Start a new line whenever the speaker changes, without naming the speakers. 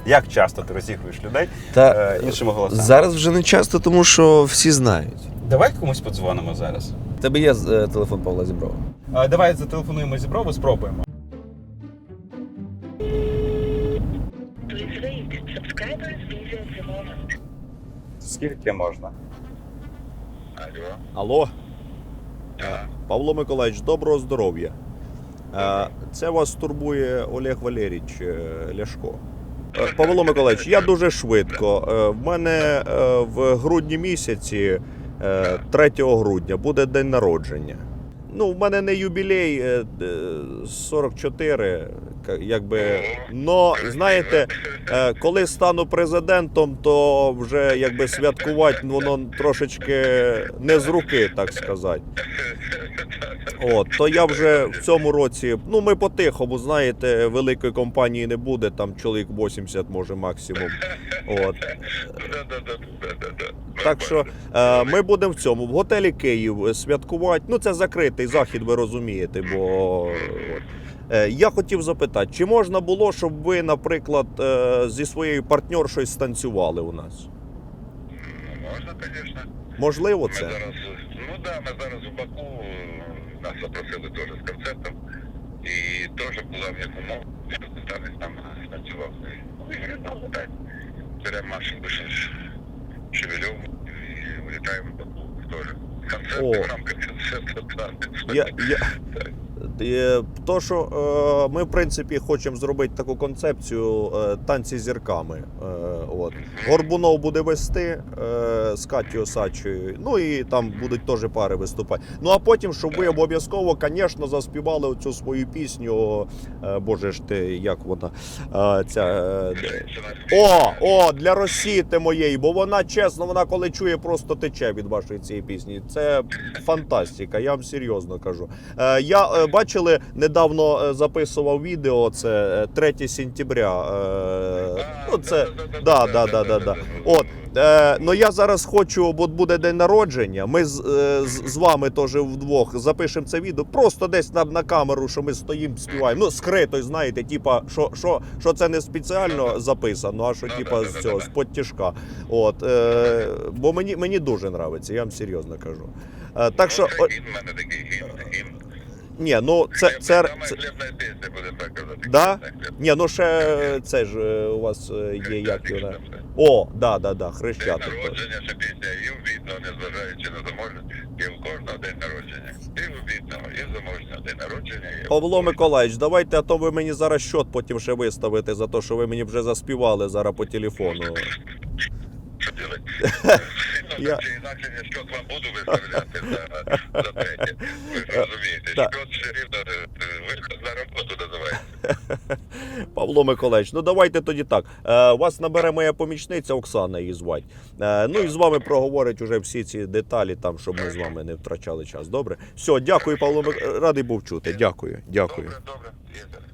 Як часто ти розігруєш людей іншими голосами?
Зараз вже не часто, тому що всі знають.
Давай комусь подзвонимо зараз.
У тебе є телефон Павла Зіброва?
Давай зателефонуємо Зіброву, спробуємо. Скільки можна?
Алло. Павло Миколаївич, доброго здоров'я. Це вас турбує Олег Валерійович Ляшко. Павло Миколаївич, я дуже швидко. В мене в грудні місяці, 3 грудня, буде день народження. Ну, в мене не юбілей 44, якби, но, знаєте, коли стану президентом, то вже, якби, святкувати воно трошечки не з руки, так сказати. От, то я вже в цьому році, ну, ми по-тихому, знаєте, великої компанії не буде, там чоловік 80 може максимум. От. Так що ми будемо в цьому, в готелі Київ святкувати. Ну, це закритий захід, ви розумієте, бо... Я хотів запитати, чи можна було, щоб ви, наприклад, зі своєю партнершою станцювали у нас?
Можна, звісно.
Можливо це?
Ми зараз у Баку, нас запросили теж з концертом, і теж була в як умов, що танець нам станцював. Ну, і говоримо, так, беремо машину Шевельов і вилітаємо в Баку теж. Концерт в рамках концерту танець.
То, що ми, в принципі, хочемо зробити таку концепцію танці з зірками. От. Горбунов буде вести з Катєю Осадчою, ну і там будуть теж пари виступати. Ну а потім, щоб ви обов'язково, звісно, заспівали оцю свою пісню, боже ж ти, як вона, для Росіти моєї, бо вона, чесно, вона коли чує, просто тече від вашої цієї пісні. Це фантастика, я вам серйозно кажу. Я, бачили, недавно записував відео, це 3 сентября. Ну, це, да. От, ну я зараз хочу, бо буде день народження, ми з вами теж вдвох запишемо це відео, просто десь на камеру, що ми стоїмо, співаємо. Ну, скрито, знаєте, типа, що це не спеціально записано, а що типа з цього, з-под тяжка. От, бо мені дуже подобається, я вам серйозно кажу. Так що...
Це гімн в мене такий гімн.
Ні, ну це
Сама хлібна пісня, буде так казати.
Да? Ні, ну ще це ж у вас є, як вона. О, да, Хрещатик.
День народження, ще пісня і у бідного, незважаючи на заможність, і у кожного день народження. І у бідного, і заможного день народження.
Павло Миколаївич, давайте, а то ви мені зараз счет потім ще виставите за те, що ви мені вже заспівали зараз по телефону.
Що робити? Чи інакше я щось вам буду виставляти за третє. Ви ж розумієте, щось все рівно виход на роботу називається.
Павло Миколаївич, ну давайте тоді так. Вас набере моя помічниця Оксана, її звать. Ну і з вами проговорить уже всі ці деталі, там, щоб ми з вами не втрачали час. Добре? Все, дякую, Павло Миколаївич. Радий був чути. Дякую.
Добре.